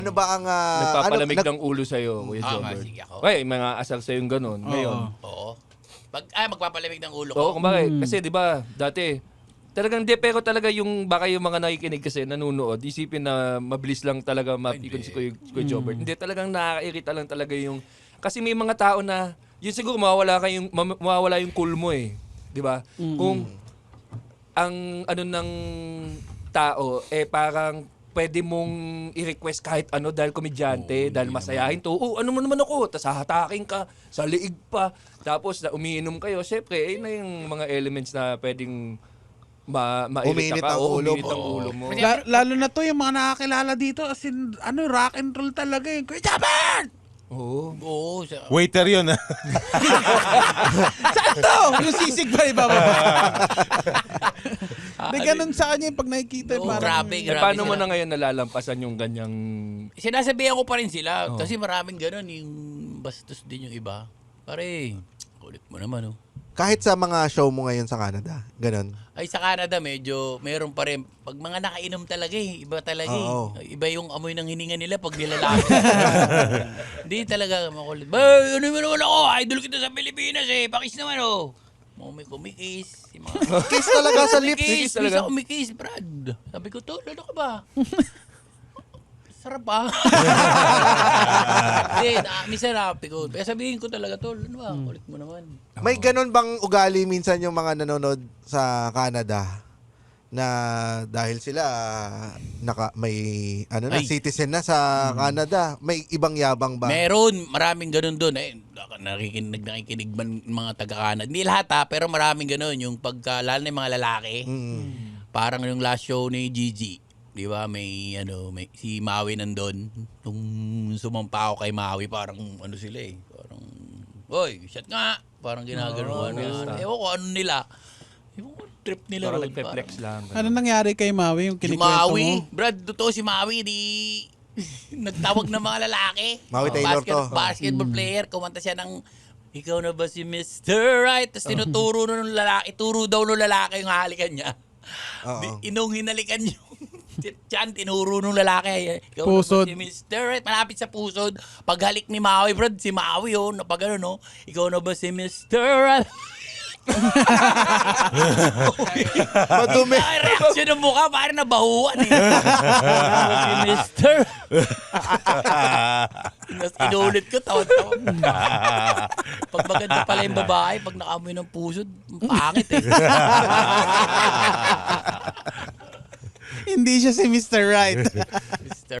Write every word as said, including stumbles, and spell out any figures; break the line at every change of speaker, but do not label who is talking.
Ano ba ang... Uh,
Nagpapalamig
ano,
ng ulo sa'yo, Kuya
Ah,
Jobber.
sige ako.
Ay, mga asal sa'yo yung ganun. Ngayon.
Oo. Pag, ah, magpapalamig ng ulo ko.
Oo, kumbaga, kasi di ba, dati, talagang di, pero talaga yung, baka yung mga nakikinig kasi, nanunood, isipin na mabilis lang talaga mapikon si Kuya, Kuya Jobber. Hindi, talagang nakakairita lang talaga yung, kasi may mga tao na, yun siguro mawawala, kayong, mawawala yung cool mo eh. Di ba? Kung, ang ano ng tao, eh parang, pwede mong i-request kahit ano dahil komedyante, oh, dahil masayahin to. Oh, ano mo naman ako? Tapos hahatakin ka, sa liig pa. Tapos na umiinom kayo. Siyempre, eh na yung mga elements na pwedeng ma mairita ka.
Ang
o
ulo
uminit
mo.
ang ulo mo.
La- lalo na to yung mga nakakilala dito. As in, ano, rock and roll talaga eh. Kuya Jobber!
Oo.
Oo. Sa,
Waiter yun, ha?
Saan to? Yung sisig ba ibababa? Hindi, ganun sa kanya yung pag nakikita.
Oo,
parang,
grabe,
Eh,
grabe.
paano mo
sila.
na ngayon nalalampasan yung ganyang...
Sinasabihan ko pa rin sila.
Oh.
Kasi maraming ganun. Yung bastos din yung iba. Pare, kulit mo naman, oh.
kahit sa mga show mo ngayon sa Canada, ganun.
Ay, sa Canada, medyo meron pa rin. Pag mga nakainom talaga eh, iba talaga
Oo.
eh. Iba yung amoy ng hininga nila pag nilalaki. Hindi talaga makulit. Ba, ano mo naman ako? Idol kita sa Pilipinas eh. Pakis naman, oh. Mga may kumikis. Yung mga...
Kiss talaga sa lips.
Kumikis,
talaga.
talaga. Kumikis, Brad. Sabi ko, tol, ano ka ba? Sarap ah. Hindi, na, minsan napi ko. Kaya sabihin ko talaga, tol, ano ba? Kulit mo naman.
May ganun bang ugali minsan yung mga nanonood sa Canada na dahil sila naka may ano na
Ay.
citizen na sa Canada, may ibang yabang ba?
Meron, maraming ganun doon. Eh, nakikinig, nakikinig man mga taga-Canada. Hindi lahat ha, pero maraming ganun. Yung pagka, lalo na yung mga lalaki,
Mm.
parang yung last show ni Gigi. Di ba, may, ano, may, si Maui nandun. Nung sumampa ako kay Maui, parang, ano sila eh, parang, oy, shot nga. Parang ginagano.
Oh,
ano,
fiesta.
ewan ko, ano nila. Ewan ko, trip nila.
Parang
ron,
nagpe-flex lang.
ano nangyari kay Maui? Yung
Yung
kinikwento
Maui,
mo?
Brad, totoo si Maui, di nagtawag ng mga lalaki.
Maui
Oh,
Taylor
basket,
to.
Basketball player, kumanta siya ng ikaw na ba si mister Right? Tapos tinuturo nun ng lalaki, ituro daw ng lalaki yung halikan niya.
Oo.
Di, inong hinalikan yung tiyan, tinuro nung lalaki. Ikaw
Pusod.
na ba si mister Right? Malapit sa pusod. Paghalik ni Maui, Brad, si Maui, oh, na pag ano, no? Ikaw na ba si mister Right?
Madumi.
Ay, reaksyon ng mukha, parang nabahuan eh. Si mister Tapos inulit ko, tawad-tawad. Pag maganda pala yung babae, pag nakamoy ng pusod, pangit eh.
Hindi siya si mister Right.
mister